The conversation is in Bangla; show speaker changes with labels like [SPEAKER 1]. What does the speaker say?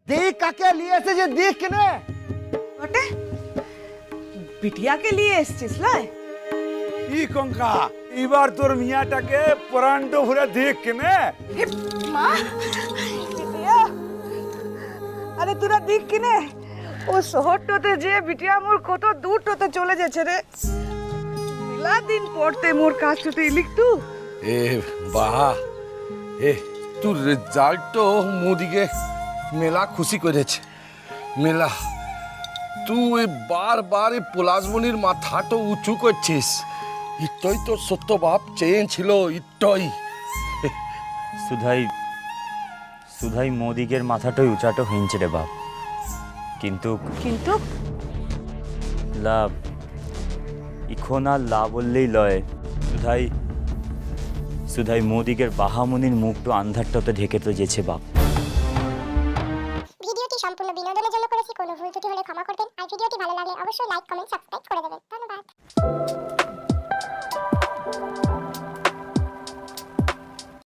[SPEAKER 1] देख काके लिए ऐसे जे देख केने
[SPEAKER 2] বটে বিটিয়াকে নিয়ে এসছিস লাই
[SPEAKER 3] ই কঙ্কা এবার তোর মিয়াটাকে প্রাণটো ভরে দেখ কেনে
[SPEAKER 2] মা বিটিয়া আরে তোরা দেখ কিনে ও শহরটাতে যে বিটিয়া মোর কত দূরটাতে চলে যাচ্ছে রে মিলা দিন পড়তে মোর কাছতে লিখতু
[SPEAKER 4] এ বাহ এ তোর রেজাল্ট তো মোদিকে মেলা খুশি করেছে মেলা তুই বারবার এই পলাশমণির মাথাটা উঁচু করছিস ইটই তো সত্য বাপ চেন ছিল ইটই
[SPEAKER 5] সুধাই সুধাই মোদিকের মাথাটাই উঁচাটো হিঞ্চে রে বাপ কিন্তু
[SPEAKER 2] কিন্তু
[SPEAKER 5] লাভ ইখন আর লা বললেই লয় সুধাই সুধাই মোদিকের বাহামনির মুখটো আন্ধারটাতে ঢেকে তো যেছে বাপ
[SPEAKER 6] ভিডিওটি সম্পূর্ণ বিনোদনের জন্য করেছি, কোনো ভুল ত্রুটি হলে ক্ষমা করবেন। আর ভিডিওটি ভালো লাগলে অবশ্যই লাইক, কমেন্ট, সাবস্ক্রাইব করে দেবেন।